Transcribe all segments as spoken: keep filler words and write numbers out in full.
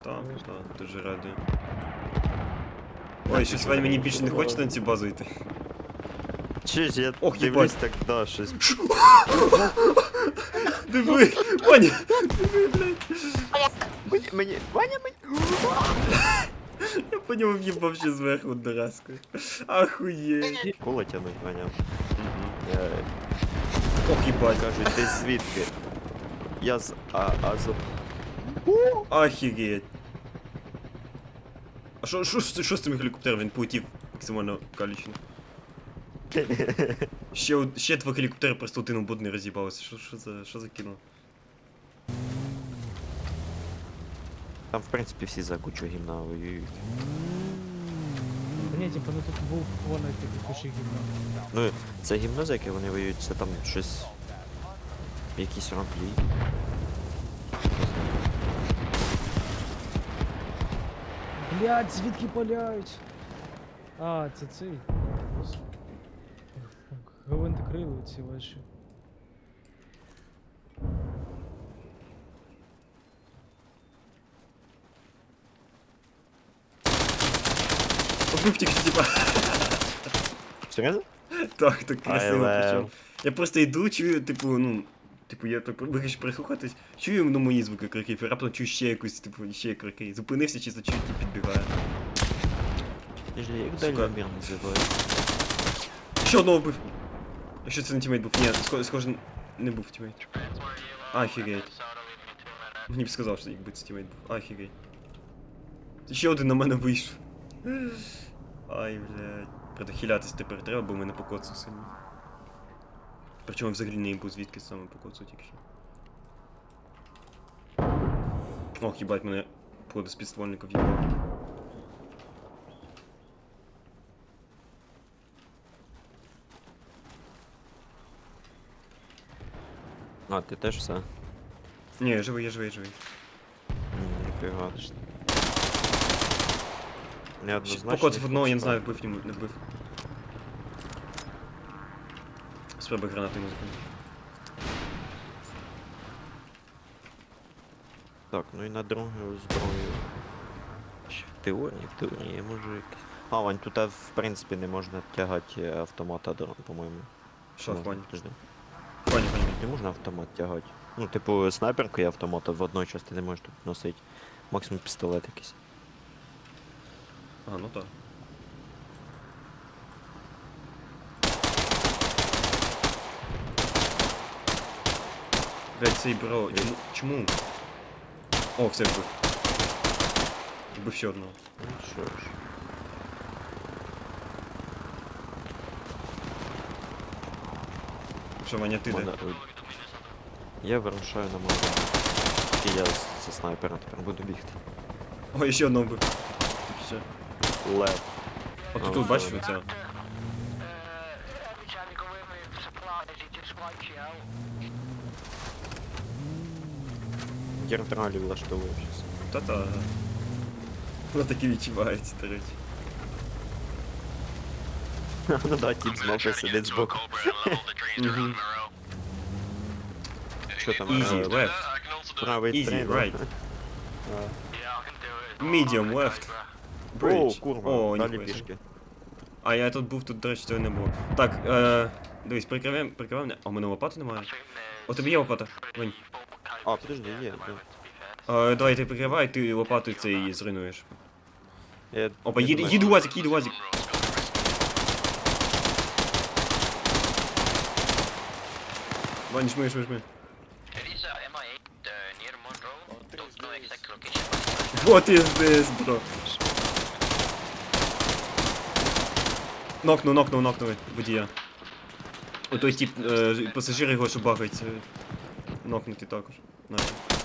Так, так, дуже радий. Ой, щось Вань, мені більше не хочеться на цю базу йти. Чи ж я Ох, дивлюсь їбать. так, да, щось. Диви, Ваня! Мені, мені, Ваня, мені. Я по ньому в'їбав ще зверху одноразкою. Ахуєть. Коло тянуть, Ваня. Я, Ох, їбать. кажуть, ти звідки? Я з а, Азов. Ахігеть. А що, що, що, що з цим гелікоптером? Він полетів максимально калічно. Ще, од- ще два гелікоптери просто один об один роз'їбалися. Що, що за, що за кіно? Там, в принципі, всі за кучу гімна воюють. Та ні, типу, ну тут був воно типу куші гімна. Ну, це гімно, за яке вони воюють, це там щось. Якісь рамплі. Блядь, звідки паляють? А, це цей. Гвинтокрили ці ваші. Побив тільки, типа. Серйозно? Так, так красиво Але- причому. Я просто йду, чую, типу, ну. Типу, я так вирішив прислухатись, чую ну, мої звуки криків, і раптом чую ще якусь, типу, ще крики. Зупинився, чисто чую, ті підбігає. Ти ж як Сука. дальномір називають. Ще одного вбив. Якщо це не тімейт був. Ні, схоже, схоже не був тімейт. Ахігеть. Мені б сказав, що якби це тімейт був. Ахігеть. Ще один на мене вийшов. Ай, блядь. Правда, хилятись тепер треба, бо мене покоцав сильно. Причому взагалі не був звідки саме покоцав тільки що. Ох, їбать, мене походу з підствольника в'їбав. А, ти теж все? Ні, я живий, я живий, я живий. Ніфіга. Ще Неоднозначно. покоцав одного, я не знаю, вбив йому, не вбив. Спробуй гранати йому закинути. Так, ну і на другу зброю. Ще в теорії, в теорії я можу якось. А, Вань, тут а, в принципі не можна тягати автомата, дрон, по-моєму. Що, Можна, Ваня? подожди. Ваня, Ваня. Не можна автомат тягати. Ну, типу, снайперку і автомата в одній часті не можеш тут носити. Максимум пістолет якийсь. А, ну так. Блять, цей бро, чому? Чому? О, все вбив. Вбив ще одного. Ну що ж. Що, Ваня, ти де? Мене- Я вирушаю на мою. І я з- зі снайпера тепер буду бігти. Ой, ще одного вбив. Ще. Лев. От А, тут, ну, бачиш, добре. оце? Гертралі влаштовую щас. Та-та. Воно таки відчувається, до речі. Ну да, тип з мопи сидить збоку. Мгм. Що там? Easy, е, left. Правий Easy, трейн. right. Medium, left. О, Bridge. курва, О, далі ніхуя. пішки. А я тут був, тут, до речі, цього не було. Так, е, дивись, прикриваємо, прикриваємо мене. А у мене лопати немає. У тебе є лопата? Вань. А, подожди, є, є. Е, давай ти прикривай, ти лопатою це її зруйнуєш. Я Опа, не їде, думаю, їде що- УАЗик, їде УАЗик. Вань, жми, жми, жми. Вот is this, бро. Нокнув, нокнув, нокнув водія. О, той тип, е, пасажир його, що багається. Нокнутий також. Наче.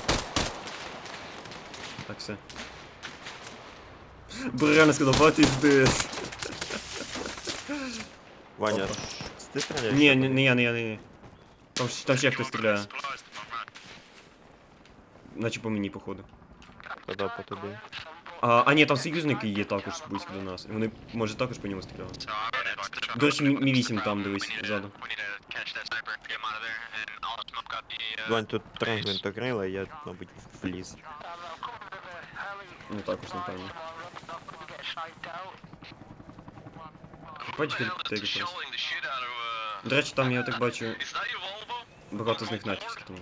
Так, все. Бо реально сказав, what is this? Ваня, Опа. ш- ти стріляєш? Ні, не, не я, не я, не я. Там, ж- там ще хтось стріляє. Наче по мені, походу. Тоді по тобі. А, а ні, там союзники є також близько до нас. Вони, може, також по ньому стріляли. До речі, Мі вісім там, дивись, ззаду. Вань, тут три гвинтокрила, я, мабуть, вліз. Ну також, напевно. Бачиш, гелікоптери просто. До речі, там я так бачу, багато з них натівські, тому.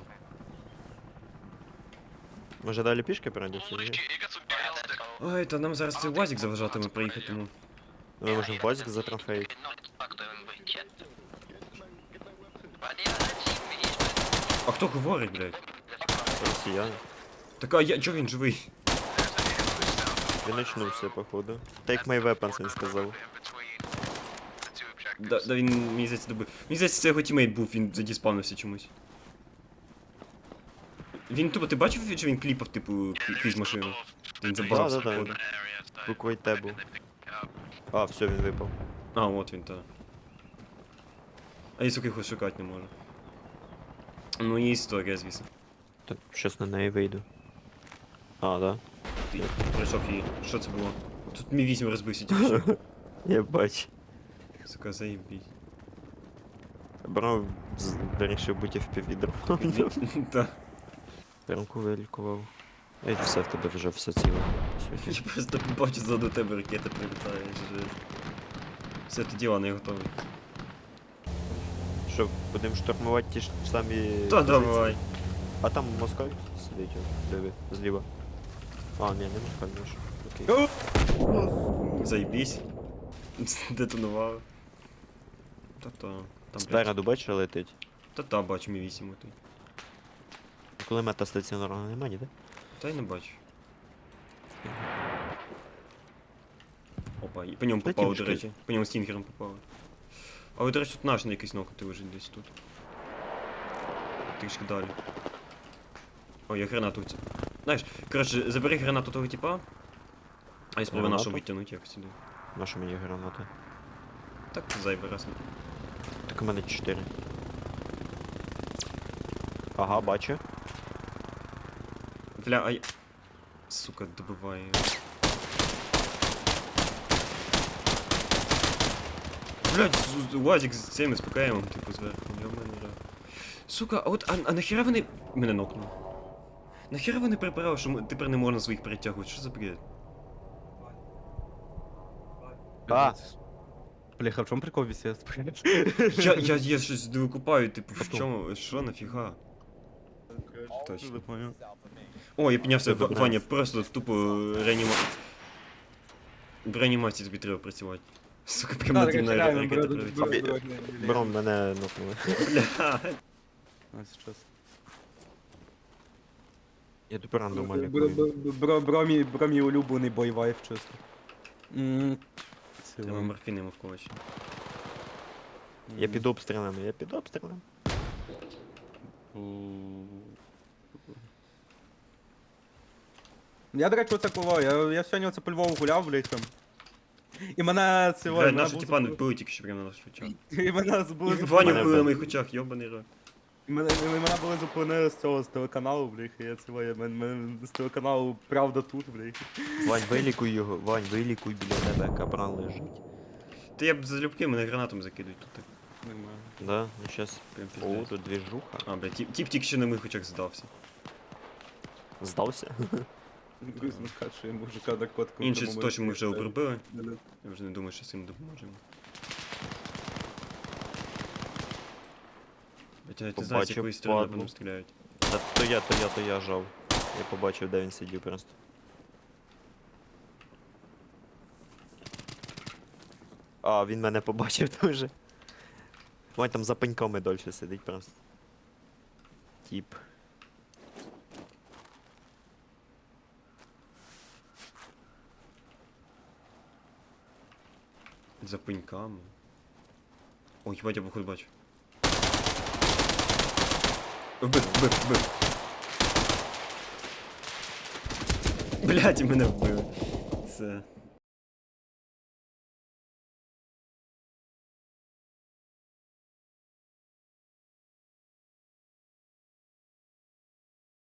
Може далі пішки пройдеться? Ні? Ой, та нам зараз цей УАЗик заважатиме проїхати, тому. Ми можемо базик затрофеїти. А хто говорить, блядь? Росіяни. Так, а я, чого він живий? Він очнувся, походу. Take my weapons, він сказав. Да, да він, мені здається, добив. Мені здається, це його тімейт був, він задіспавнився чомусь. Він тупо, ти бачив, що він кліпав, типу, кі- крізь машину? Він забагався, Да, да, да. походу. Буквой Т був. А, все, він випав. А, от він, та. А я, сука, його шукати не можу. Ну, є історія, звісно. Так, щас на неї вийду. А, да? Ти пройшов її. Що це було? Тут мій вісім розбився тільки що. Я бачу. Сука, заєбіть. Бро з- вирішив бути в піввідро. Та. Прямку вилікував. Ей, все в тебе вже все ціле. по суті. Я просто бачу ззаду тебе ракета прилітає. Жесть. Все, тоді ладно, я готовий. Що, будемо штурмувати ті ж самі. Та позиції? давай. А там москаль сидить, о, диви, зліва. А, ні, не москаль, наш. Окей. Заєбісь. Детонував. Та-та. Там, блядь. Спереду бачиш, летить. Та-та, бачу мій вісім отий. Кулемета стаціонарного нема, ніде? Та й не бачу. Опа, і по ньому Та попало, до тімочки. речі. По ньому стінгером попало. Але, до речі, тут наш на якийсь нокати лежить десь тут. Трішки далі. Ой, я гранату ці. Знаєш, коротше, забери гранату того типа. А я спробую Гранату? нашу витягнути якось сюди. Наша мені граната. Так, зайвий раз. Так у мене чотири. Ага, бачу. Бля, ай. Сука, добиває. його. Блядь, з- з- УАЗик з цим СПКМом, типу, зверху. Йо-мене, бля. Сука, а от, а, а нахера вони... Мене нокнули. Нахера вони прибрали, що м- тепер не можна своїх перетягувати? Що за бред? А! Бляха, в чому прикол вісес? Я, я, я щось не викупаю, типу, в Потом. чому, що, нафіга? Точно. Не понял. О, я піднявся, Це В- добре. Ваня, просто тупо реаніма... В реанімації тобі треба працювати. Сука, прямо Да, на так, на реально, ракета бро- прилетіла. бро- бро- бро- Брон, мене нокнули. Бля. А, сейчас. Я тепер рандом Бро- бро- бро- Бро мій бро мій улюблений бойвайф, чесно. М, це Треба вам. морфіни йому вколочі. Я під обстрілами, я під обстрілами. Я, до речі, оце коли, я, я сьогодні оце по Львову гуляв, блядь, там. І мене це... Бля, мене наші був тіпа не запро- вбили тільки що прямо на наших очах. І мене були І Ваню Мене вбили на вбили. моїх очах, йобаний рот. І мене, і мене були зупинили з цього, з телеканалу, блядь, і я цього, я, мен, мен, з телеканалу Правда тут, блядь. Вань, вилікуй його, Вань, вилікуй біля тебе, кабран лежить. Та я б залюбки, мене гранатом закидують тут так. Нормально. Да, ну щас. Прям О, пиздец. тут двіжуха. А, бля, тип, тип тільки що на моїх очах здався. Здався? Грузно каже, мужика наркотиком. Інший це то, що ми вже обробили. Да-да. Я вже не думаю, що цим допоможемо. Хоча ти знаєш, з Побачив якої сторони по падлу. нам стріляють. Та то я, то я, то я жав. Я побачив, де він сидів просто. А, він мене побачив теж. Вань там за пеньками дольше сидить просто. Тіп. За пеньками. Ой, їбать, я походу бачу. Вбив, вбив, вбив. Блядь, і мене вбили. Все.